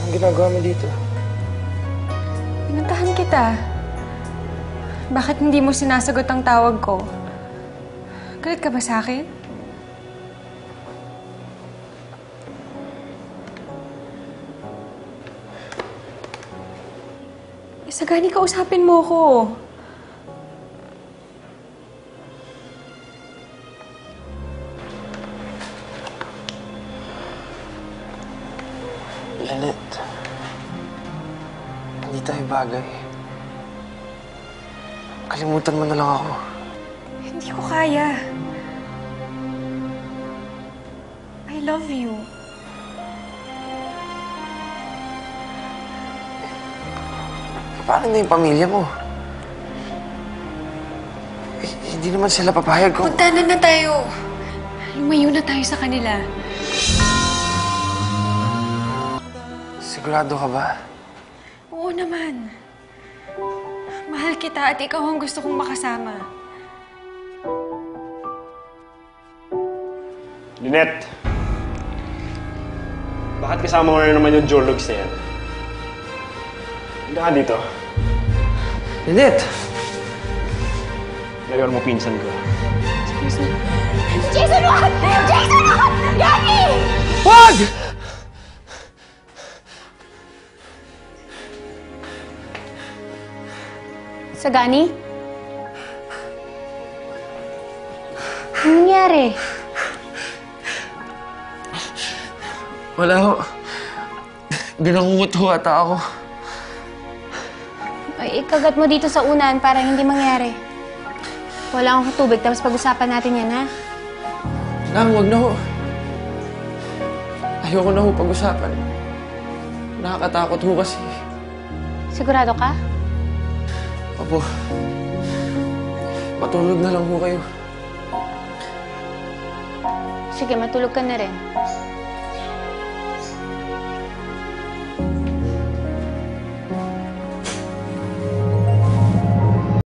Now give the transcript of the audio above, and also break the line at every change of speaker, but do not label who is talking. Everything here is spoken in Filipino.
Anong ginagawa mo dito?
Pinuntahan kita. Bakit hindi mo sinasagot ang tawag ko? Galit ka ba sa akin? Sagani, kausapin mo ko.
Lynette, hindi tayo bagay. Kalimutan mo na lang ako.
Hindi ko kaya. I love you.
Paano na yung pamilya mo? Hindi naman sila papayag kung...
Puntanan na tayo. Lumayo na tayo sa kanila.
Sigurado ka ba?
Oo naman. Mahal kita at ikaw ang gusto kong makasama.
Lynette! Bakit kasama mo na naman yung Jorlogs na yan? Hindi ka dito.
Lynette!
Ngayon mo pinsan ko.
Excuse me. Jason, wag! Jason, wag! Gagi!
Wag!
Sagani? Anong nangyari?
Wala ho. Binangungot ho ata ako.
Ay, ikagat mo dito sa unan para hindi mangyari. Wala akong tubig, tapos pag-usapan natin yan, ha?
Nang, wag na ho. Ayoko na ho pag-usapan. Nakakatakot ho kasi.
Sigurado ka?
Opo. Matulog na lang ho kayo.
Sige, matulog ka na rin.